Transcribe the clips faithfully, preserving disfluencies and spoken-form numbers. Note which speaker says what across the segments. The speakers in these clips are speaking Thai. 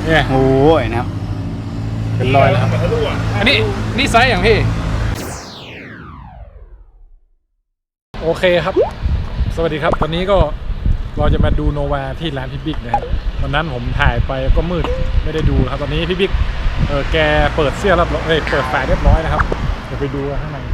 Speaker 1: เนี่ย
Speaker 2: โอ้ยนะครับ
Speaker 1: เป็นรอยแล้วครับอันนี้นี่ไซส์อย่างพี่โอเคครับสวัสดีครับตอนนี้ก็เราจะมาดูโนวาที่ร้านพี่บิ๊กนะครับวันนั้นผมถ่ายไปก็มืดไม่ได้ดูครับตอนนี้พี่บิ๊กเออแกเปิดเสื้อแล้วเอ้ยเปิดฝาเรียบร้อยนะครับเดี๋ยวไปดูข้างใน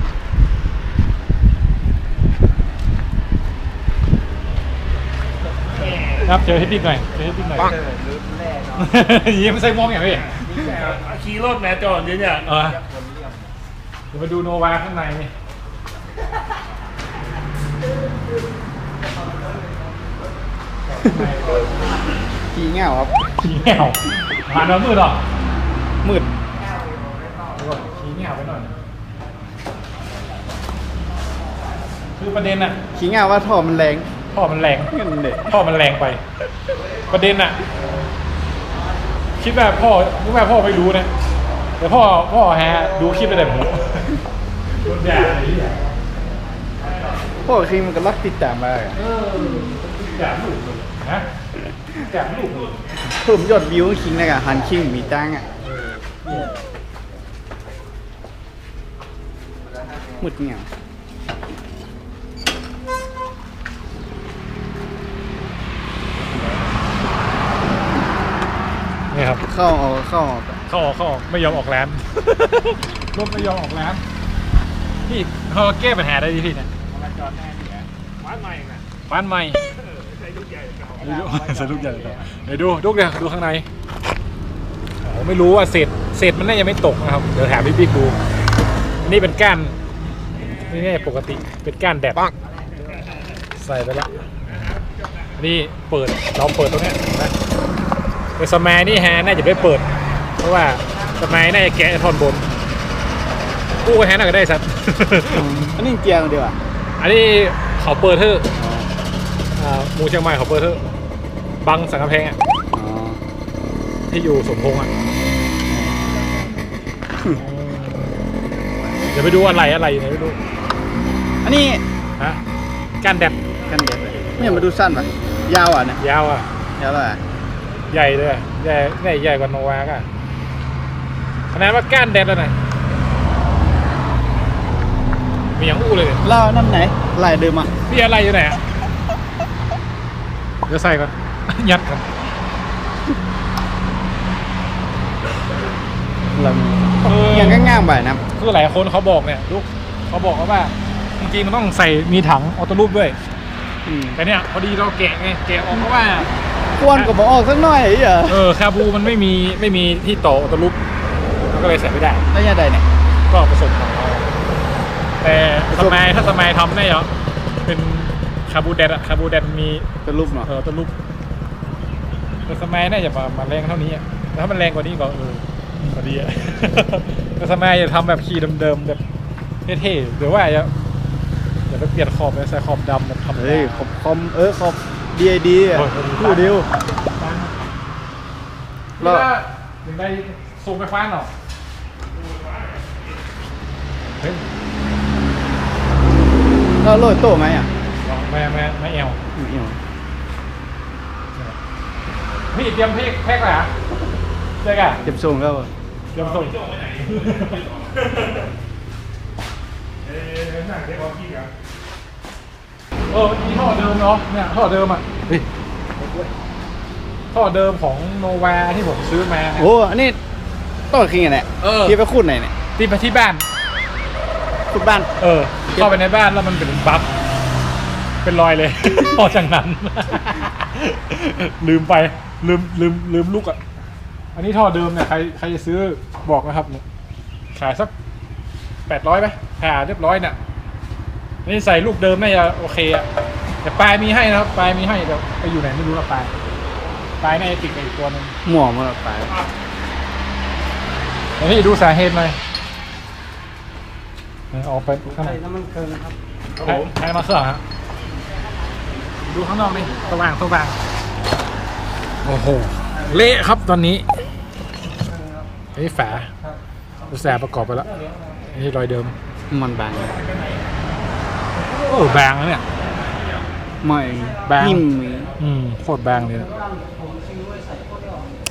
Speaker 1: ครับเจอพี่บิ๊กหน่อยเจอพี่บิ๊กหน่อยยิ้มใส่มองอย่างพี่
Speaker 3: ขี่รถแม่จอดเนี่ย
Speaker 1: เออเดี๋ยวมาดูโนวาข้างในนี่
Speaker 2: ขี้เง่าครับ
Speaker 1: ขี้แง่วผ่านแล้วมืดหรอ
Speaker 2: มืด
Speaker 1: ขี้แง่วไปหน่อยคือประเด็นอะ
Speaker 2: ขี้เง่าว่าท่อมันแรง
Speaker 1: ท่อมันแรง
Speaker 2: เงินเด็ด
Speaker 1: ท่อมันแรงไป ประเด็นอะคิดว่าพ่อคิดว่าพ่อไม่รู้นะแต่พ่อพ่อฮะดูคลิปไปแต่ผมโดนด่าอะไรอย่างเงี้ย
Speaker 2: พวกคิงมันก็รักติดตามมา
Speaker 1: เ
Speaker 2: อะ
Speaker 1: ออด่าลูกเลยนะด่าลูกเลย
Speaker 2: เพิ่มยอดวิวคิงนะกะฮันคิงมีตังอ่ะมืดเงี้ย
Speaker 1: นี่ครับ
Speaker 2: เข้าออกเข้าออก
Speaker 1: เข้าออกเข้าออกไม่ยอมออกร้าน รถไม่ยอมออกร้านพี่เขาแก้ปัญหาได้ดีพี่เนี่ย
Speaker 3: มาจอดแน่นี่แหละบ้านใหม่น่ะ
Speaker 1: บ้านใหม่
Speaker 3: ใช้ลูกใหญ่เก่า
Speaker 1: ดูสรุปใหญ่เลยเดี๋ยวดูดูเนี่ยดูข้างในโอ้ไม่รู้ว่าเศษเศษมันน่าจะไม่ตกนะครับเดี๋ยวถามพี่บิ๊กดูอันนี้เป็นก้านนี่นี่ปกติเป็นก้านแดดใส่ไปแล้วอันนี้เปิดเราเปิดตรงนี้นะแต่สมัยนี่ฮะน่าจะไม่เปิดเพราะว่าสมัยน่าจะแกะท่อนบนกู้ก็แฮน่าก็ได้สัตว์
Speaker 2: อันนี้เกียร์เดียวอ่ะ
Speaker 1: อันนี้เขาเปิดเถอะหมูเชียงใหม่เขาเปิดเถอะบังสังกะแพงอ่ะ
Speaker 2: อ๋อ
Speaker 1: ที่อยู่สมพงษ์อ่ะ เดี๋ยวไปดูอะไรอะไรอยู่ไหนไม่รู้
Speaker 2: อันนี้
Speaker 1: ฮะก้านแดด
Speaker 2: กันเด็ดเลยเนี่ยมาดูสั้นป่ะยาวอ่ะเนี่ย
Speaker 1: ยาวอ่ะ
Speaker 2: ยาวอ่ะ
Speaker 1: ใหญ่เลยอะใหญ่ใหญ่ใหญ่กว่าโนวาก็ขนาดว่าก้านแดดแล้วไหนมีอย่างอู้เลยเนี่ย
Speaker 2: เล่าน้ำไหนลายเดิมอ่ะ
Speaker 1: พี่อะไรอยู่ไหนอ่ะเดี๋ยวใส่ก่อน ยัดก่อน
Speaker 2: เรา
Speaker 1: เออ
Speaker 2: ยังง่างๆไปนะ
Speaker 1: คือหลายคนเขาบอกเนี่ยลูกเขาบอกว่าจริงๆมันต้องใส่มีถังออโต้รูปด้วย
Speaker 2: อืม
Speaker 1: แต่เนี่ยพอดีเราแกะไงแกะออกเพราะว่า
Speaker 2: ควนกับบอกออกสักหน่อยเหรอ
Speaker 1: เออคาบูมันไม่มีไม่มีที่ต่อออโต้รูปมันก็เลยใส่ไม่ได้
Speaker 2: แล้วยังไงเนี่ย
Speaker 1: ก็ผสมของเราแต่สมัยถ้าสมัยทำได้เหรอเป็นคาบูแดดอะคาบูแดดมี
Speaker 2: เป็นรูปเนาะ
Speaker 1: เออออโต้รูปแต่สมัยน่าจะมามาแรงเท่านี้อะแต่ถ้ามันแรงกว่านี้ก็เออพอดีอะ แต่สมัยจะทำแบบขี่เดิมๆแบบเท่ๆหรือว่าอย่าอย่าไปเปลี่ยนขอบเลยใส่ขอบดำแบบทำ
Speaker 2: เฮ้ยขอบคอมเออขอบดีไอดีอ่ะคู่เดียว
Speaker 1: แล้วถึงได้ซูมไปคว้านหรอเฮ้ย
Speaker 2: เราโรยโต้ไหมอ่ะ
Speaker 1: ไม่ไม่ไม่เอว
Speaker 2: ไม่เอา
Speaker 1: พี่เตรียมเพกแพ็กอะไรอ่ะเจ๊กะ
Speaker 2: เก็บทรงแล้ว
Speaker 1: เตรียมส่ง
Speaker 3: เออหนังเด็กว่าพี่ครับ
Speaker 1: เออนี่ท่อเดิมเนาะเนี่ยท่อเดิมอ่ะท่อเดิมของโนวาที่ผมซื้อมา
Speaker 2: โอ้อันนี้ต้นคิงอ่ะเนี่ย
Speaker 1: เออ
Speaker 2: ที่ไปขุดไหนเนี่ย
Speaker 1: ที่ไปที่บ้าน
Speaker 2: ขุดบ้าน
Speaker 1: เออเข้าไปในบ้านแล้วมันเป็นบั๊บเป็นรอยเลย พอจากนั้น ลืมไปลืมลืมลืมลูกอ่ะอันนี้ท่อเดิมเนี่ยใครใครจะซื้อบอกนะครับเนี่ยขายสักแปดร้อยไหมหาเรียบร้อยเนี่ยนี่ใส่ลูกเดิมน่าจะโอเคอ่ะแต่ปลายมีให้นะครับปลายมีให้เดี๋ยวไปอยู่ไหนไม่รู้ละปลายปลายน่าจะติดกับอีกตัวนึง
Speaker 2: หมวกมันไป
Speaker 1: เดี๋ยวพี่ดูสาเหตุหน่อยออกไปข้างใน
Speaker 2: น้ำมันเคิงครับ
Speaker 1: ครับผมใช้มาเครื่องฮะดูข้างนอกนี่สว่างสว่างโอ้โหเละครับตอนนี้นี่ฝาอุตสาห์ประกอบไปแล้วนี่รอยเดิม
Speaker 2: มันบาง
Speaker 1: โอ้บางนะเนี่ย
Speaker 2: ไม่
Speaker 1: บาง
Speaker 2: นิ่ม
Speaker 1: อืมโคตรบางเลยนะ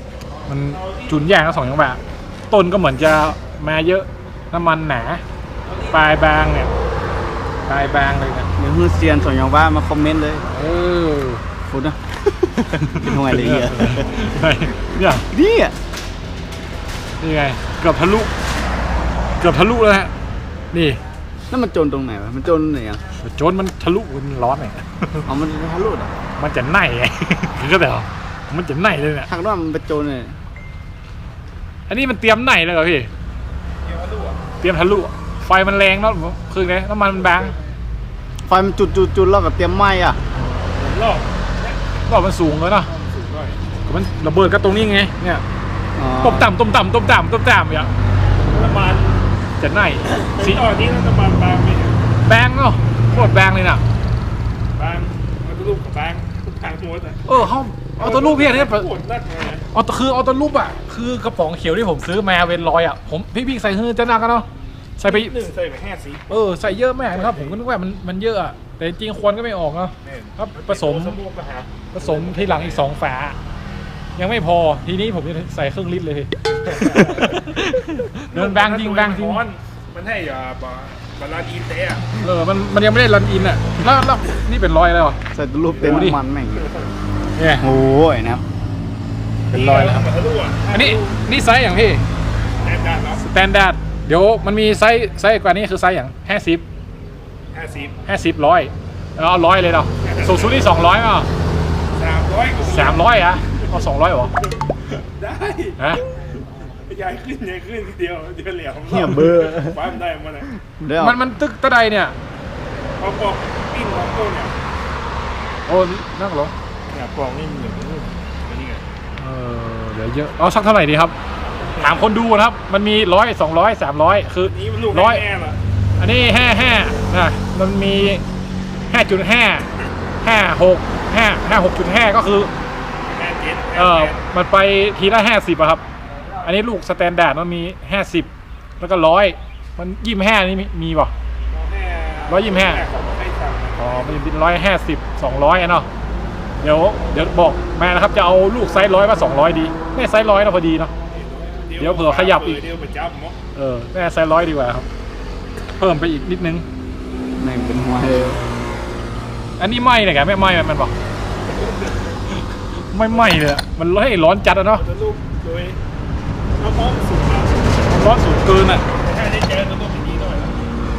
Speaker 1: มันจุนแย่งทั้งสองจังหวะต้นก็เหมือนจะมาเยอะน้ำมันหนาปลายบางเนี่ยปลายบางเลยนะ
Speaker 2: เดี๋ยวฮือเซียนสองอย่างว่ามาคอมเมนต์เลย
Speaker 1: เออ
Speaker 2: ฟุตนะ เป็นทำไงเลยเนี่ย
Speaker 1: เนี่ย
Speaker 2: นี่อ่ะ
Speaker 1: นี่ไงเกือบทะลุเกือบทะลุแล้วฮะนี่
Speaker 2: นั่นมันโจนตรงไหนวะมันโจนไหนอ่ะ
Speaker 1: โจนมันทะลุมันร้อนไง
Speaker 2: เอามันทะลุอ่ะ
Speaker 1: มันจะไหนไง คือก็แต่ว่ามันจะไหนเลยเนี่ย
Speaker 2: ทางด้านมันเป็นโจนเลย
Speaker 1: อันนี้มันเตรียมไหนเลยเหรอพี่เตรียมทะลุไฟมันแรงเนาะคือไงน้ำมันมันบาง
Speaker 2: ไฟมันจุดจุดจุดแล้วก็เตรียมไหม้อ่ะ
Speaker 1: รอบรอบมันสูงเลยเนาะก็มันระเบิดก็ตรงนี้ไงเนี่ย
Speaker 2: อ๋อ
Speaker 1: ต้มต่ำต้มต่ำต้มต่ำต้มต่ำอย่าง
Speaker 3: น้ำมัน
Speaker 1: จะไหน
Speaker 3: สี
Speaker 1: สี
Speaker 3: ตอนนี้น้ำมันบางไหมเนี่ย
Speaker 1: แบงเนาะโคตรแบงเลยน่ะ
Speaker 3: บางมันรูปกับบางทุกทางทั้งหมดอ่ะ
Speaker 1: เออเขาเอาตัวรูปพี่อันนี้
Speaker 3: ปวดนักเลยนะ
Speaker 1: เอาตัวคือเอาตัวรูปอ่ะคือกระป๋องเขียวที่ผมซื้อมาเวนลอยอ่ะผมพี่พี่ใส่เฮือจะหนักกันเนาะใส่ไป
Speaker 3: หนึ่งใส่ไปห้าสี
Speaker 1: เออใส่เยอะมากนะครับผมก็นึกว่ามันมันเยอะอะแต่จริงๆควรก็ไม่ออกเนาะครับผสม
Speaker 3: สมุนไพร
Speaker 1: ผสมที่หลังอีกสองฝา ยังไม่พอทีนี้ผมจะใส่ครึ่งลิตรเลย เดินแบงจริงแบงจริง
Speaker 3: มันให้อ่าบาลานซ์อินเตะ
Speaker 1: เออมันมันยังไม่ได้รันอินอ่ะแล้วแล้วนี่เป็นรอยแล้วเหรอ
Speaker 2: ใส่ตัวรูปเต็ม
Speaker 1: ดูดิ
Speaker 2: น้ำมันแม่ง
Speaker 1: เนี่ย
Speaker 2: โอ้ยนะครับ
Speaker 1: เป็นรอยแล้วครับ
Speaker 3: ทะลุอ่ะ
Speaker 1: อันนี้นี่ไซส์อย่างพี่
Speaker 3: แน่นด้านเนาะ
Speaker 1: สแตนดาร์ดเดี๋ยวมันมีไซส์ไซส์กว่านี้คือไซส์อย่างห้าสิบ
Speaker 3: ห้าสิบ
Speaker 1: ห้าสิบร้อยเอาร้อยเลยเนาะสูงสุดนี่สองร้อยอ่ะ
Speaker 3: สามร้อย
Speaker 1: สามร้อยอ่ะเอาสองร้อยเหรอ
Speaker 3: ได้
Speaker 1: ฮะ
Speaker 3: ยายขึ้นยายขึ้นทีเดียวเดียวเหลียว
Speaker 2: เหี้ยเบอร์
Speaker 3: ฟ้ามันได้มาเลย
Speaker 2: เดี๋ยว
Speaker 1: มันมันตึกตะไดเนี่ย
Speaker 3: พอปอกปิ้นของต้นเนี่ย
Speaker 1: โอ้นั่งเหรอ
Speaker 3: เนี่ยปอกนี่มันเหลืองนี่นี่ไง
Speaker 1: เออเดี๋ยวเยอะเอาสักเท่าไหร่ดีครับถามคนดูนะครับมันมีร้อยสองร้อยสามร้อยคือ
Speaker 3: นี่มันลูก
Speaker 1: ร้อย
Speaker 3: แน่ละ
Speaker 1: อันนี้ห้าห้านะมันมีห้าจุดห้าห้าหกห้าห้าหกจุดห้าก็คือ
Speaker 3: แน่เจ็ด
Speaker 1: เออมันไปทีละห้าสิบอะครับ อันนี้ลูกสแตนดาร์ดมันมีห้าสิบแล้วก็ร้อยมันยี่สิบห้านี่มีมีป่ะ ร้อยยี่สิบห้า อ๋อมันเป็นร้อยห้าสิบสองร้อยอะเนาะเดี๋ยวเดี๋ยวบอกแม่นะครับจะเอาลูกไซส์ร้อยมาสองร้อยดีแม่ไซส์ร้อยนะพอดีเนาะ เดี๋ยวเผื่อขยับอีก
Speaker 3: เดี๋ยวประจับมั้ง
Speaker 1: เออแม่ไซส์ร้อยดีกว่าครับ เพิ่มไปอีกนิดนึง
Speaker 2: แม่งเป็นหัวเลย
Speaker 1: อันนี้ไหม้เลยแกไม่ไหม้มันบอกไม่ไหม้เลยอะมันให้ร้อนจัดอะเนาะ
Speaker 3: จะลูกโดยน้ำมันสูงมาก
Speaker 1: ร้อนสูงเกินอะ
Speaker 3: แต่ถ้าได้เจอจะต้องเป็นดีหน่อยนะ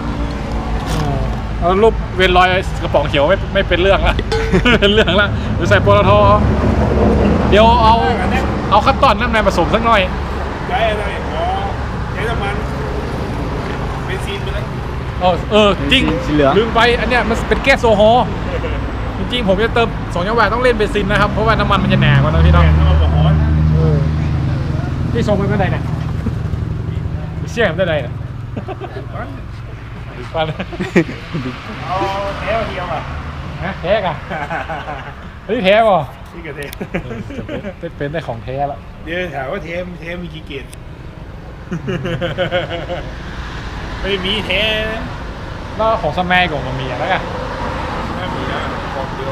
Speaker 1: เอารูปเวนลอยกระป๋องเขียวไม่ไม่เป็นเรื่องละ เป็นเรื่องละเดี๋ยวใส่ปตทเดี๋ยวเอาเอาขั้นตอนน้ำมันผสมสักหน่อย
Speaker 3: ใช้อะไรอ๋อใช้น้ำมันเบนซินไปเลย
Speaker 1: เออเออจริง
Speaker 2: สีเหลือง
Speaker 1: ลืมไปอันเนี้ยมันเป็นแก๊สโซฮอล์จริงๆผมจะเติมสองจังหวะต้องเล่นเบนซินนะครับเพราะว่าน้ำมันมันจะหนากว่านะพี่
Speaker 3: แม่
Speaker 1: เน้อง
Speaker 3: น้ำมันร้อน
Speaker 1: พี่ส่งไปเมื่อไหร่เนี่ยเชี่ยผมได้ไหนเนี่ยปัน
Speaker 3: เอาแถวเดียวอ่ะ
Speaker 1: ฮะแท้กันเฮ้ยแท้ป่ะ
Speaker 3: นี่ก็เท
Speaker 1: เป็นเป็นได้ของแท้ละ
Speaker 3: เดี๋ยวถามว่าเทมเทมมีกี่เกตไม่มีเทม
Speaker 1: แล้วของสมัยของมันมีอะไรกัน
Speaker 3: ไม่มีนะของเดียว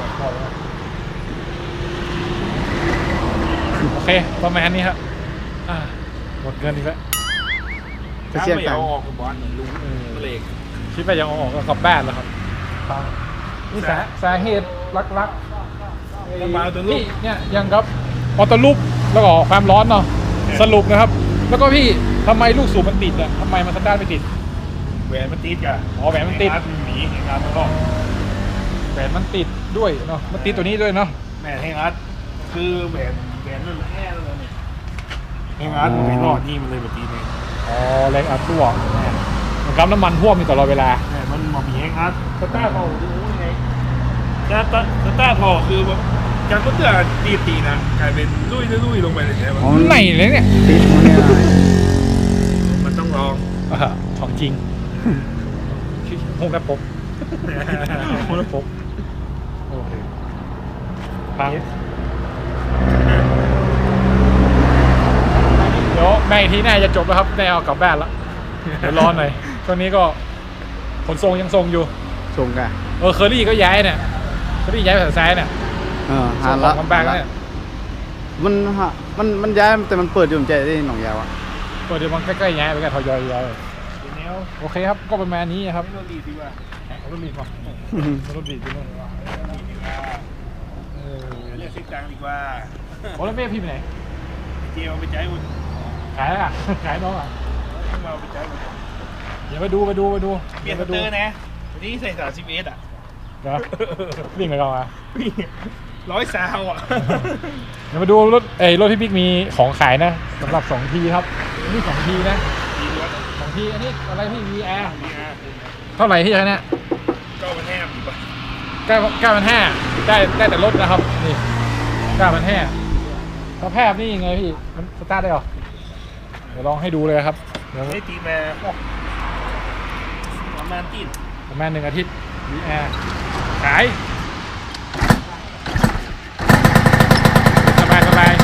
Speaker 1: โอเคประมาณนี้ครับอ่าหมดเงินอีกแล้ว
Speaker 2: จะ
Speaker 3: ถ้า
Speaker 2: เชี่ย
Speaker 3: ไม่
Speaker 2: กัน
Speaker 3: เอาออกกับบอลเหมือนลุงเล็ก
Speaker 1: คิดว่าจะเอาออกก็กลับบ้านแล้วครับนี่สาสาเหตุลักๆ
Speaker 3: น้ำมันตัวลู
Speaker 1: นี่
Speaker 3: ก
Speaker 1: เนี่ยยังครับออโต้ลูปแล้วก็ความร้อนเนาะสรุปนะครับ แล้วก็พี่ทำไมลูกสูบมันติดอ่ะทำไมมันสตาร์ทไม่ติด
Speaker 3: แหวนมันติดกัน
Speaker 1: อ๋อแหวนมันติด
Speaker 3: หนีเห็นงานมันก็
Speaker 1: แหวนมันติดด้วยเนาะมันติดตัวนี้ด้วยเนาะ
Speaker 3: แม่ให้งัดคือแหวนแหวนนั่นแค่เลยเนี่ยให้งัดมันไปรอดนี่มันเลยแบบนี้เนี่ย
Speaker 1: อ๋อแรงอัดรั่วมันกับน้ำมันท่วมอยู่ตลอดเวลา
Speaker 3: แม่มันมามีให้งัดสตาร์ทพอดูยังไงสตาร์ทสตาร์ทพอคือแบบการก็เตือนตีตีนะกลายเป็นลุยลุยลงไปเลยใช่ไหม
Speaker 2: อ๋อ
Speaker 1: ไหนเลยเนี่ย
Speaker 2: ติดหัวเนี่ย
Speaker 3: มันต้องลอง
Speaker 1: อ่าของจริงห้องกระปกห้องกระปกโอเคฟังเดี๋ยวแม่อีกทีหน่าจะจบแล้วครับได้เอากลับบ้านแล้วเดี๋ยวรอหน่อยช่วงนี้ก็ขนส่งยังส่งอยู่
Speaker 2: ส่งกัน
Speaker 1: เออเคอรี่ก็ย้ายเนี่ยเคอรี่ย้ายไปทางซ้ายเนี่ย
Speaker 2: เออ
Speaker 1: ส่
Speaker 2: หาง
Speaker 1: ข
Speaker 2: ละ
Speaker 1: องลำบากแล้วเนี่ย
Speaker 2: มันฮะมันมันย้ายแต่มันเปิดอยู่ผมใจได้หนองยาวอ่ะ
Speaker 1: ก็เดี๋ยวมันใกล้ๆแย่ไปกันทยอยๆ
Speaker 3: เป็นแนว
Speaker 1: โอเคครับก็ประมาณนี้ครับ
Speaker 3: ไม่ต้องรีบดีกว่า
Speaker 1: เอารถบีบมาเอารถบีบไปนู่น
Speaker 3: รีบดีกว่า
Speaker 1: เออ
Speaker 3: เรียกเซ็กจังดีกว่า
Speaker 1: โอ้แล้วแม่พี่ไปไหน
Speaker 3: เจียวไปใจอุ่น
Speaker 1: ขายอ่ะ ขายน้องอ่ะ
Speaker 3: เราไปใจอุ่น
Speaker 1: เดี๋ยวไปดูไปดูไปดู
Speaker 3: เปลี่ยน
Speaker 1: ไป
Speaker 3: สเตอร์นะวันนี้ใส่สามสิบเอสอ่ะ
Speaker 1: เดี๋ยววิ่งไปก่อนอ่ะ
Speaker 3: ร้อยซาวอ่ะ
Speaker 1: เดี๋ยวมาดูรถเอ้ยรถพี่บิ๊กมีของขายนะสำหรับสองทีครับนี่สองทีนะ
Speaker 3: ดีด้วย
Speaker 1: สองทีอันนี้อะไรพี่ วี อาร์
Speaker 3: ดีอ่ะ
Speaker 1: เท่าไหร่ที่ใช้เนี่ย
Speaker 3: ก็มันแห้มดีกว่า
Speaker 1: เก้าเก้าพันห้าได้ได้แต่รถนะครับนี่เก้าพันห้าสภาพนี่ยังไงพี่มันสตาร์ทได้หรอเดี๋ยวลองให้ดูเลยครับเดี๋ยว
Speaker 3: ได้ตีมาประมาณตีน
Speaker 1: ประมาณหนึ่งอาทิตย์ วี อาร์ ขาย สบายสบาย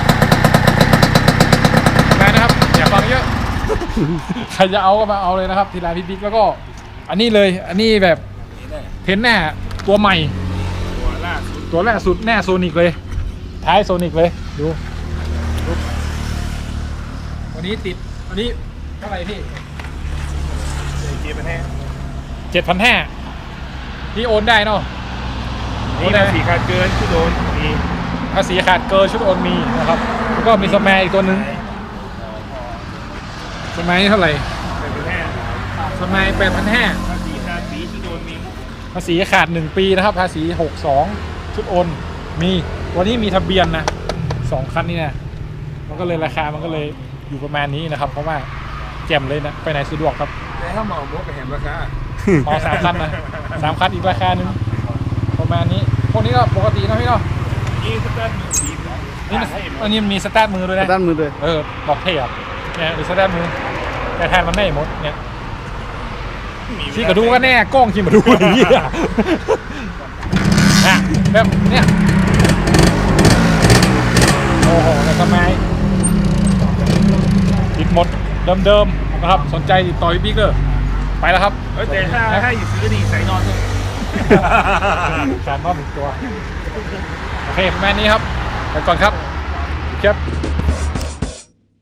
Speaker 1: สบายนะครับ อย่าฟังเยอะ ใครจะเอาก็มาเอาเลยนะครับ ทีร้านพี่บิ๊กแล้วก็ อันนี้เลย อันนี้แบบ
Speaker 3: นี่ได้
Speaker 1: เทนหน้าตัวใหม่
Speaker 3: ตัวล่าสุด
Speaker 1: ตัวแรกสุดแน่โซนิกเลย ท้ายโซนิกเลย ดูดูวันนี้ติด วันนี้เท่าไหร่พี่
Speaker 3: เจียวมันแห้ง
Speaker 1: เจ็ดพันห้านี่โอนได้เนาะ
Speaker 3: นี่ภาษีขาดเกินที่โดนมี
Speaker 1: ภาษีขาดเกินชุดโอนมีนะครับ แล้วก็มีสแมร์อีกตัวหนึงสแมร์นี่เท่าไหร่
Speaker 3: เป็นแห้ง
Speaker 1: สแมร์แปดพันห้า
Speaker 3: ภาษีขาดปีที่โดนมี
Speaker 1: ภาษีขาดหนึ่งปีนะครับ ภาษีหกสองชุดโอนมีวันนี้มีทะเบียนนะสองคันนี่นะมันก็เลยราคามันก็เลยอยู่ประมาณนี้นะครับ เพราะว่าแจ่มเลยนะไปไหนสะดวกครับ
Speaker 3: แต่ถ้าเหมาหมดก็เห็นราคา
Speaker 1: อ๋อสามคันนะสามคันอีกราคาหนึ่งประมาณนี้พวกนี้ก็ปกตินะพี่เนาะ
Speaker 3: นี่สตาร์ทมือดีนะ
Speaker 1: นี่มันอันนี้มันมีสตาร์ทมือด้วยนะ
Speaker 2: ด้านมือเลย
Speaker 1: เออบอกเท่อะเนี่ยดูสตาร์ทมือแต่แทนมันไม่หมดเนี่ยที่กระดูก็แน่กล้องที่มาดูอย่างนี้อะอ่ะแบบเนี่ยโอ้โหแล้วทำไมติดหมดเดิมๆนะครับสนใจติดต่อพี่บิ๊กเลยไปแล้วครับ
Speaker 3: เออแต่ถ้าให้อยู่ซื้อดีใส่นอนด้วย
Speaker 1: การมอบหนึ่งตัว โอเคประมาณนี้ครับ ไปก่อนครับครับ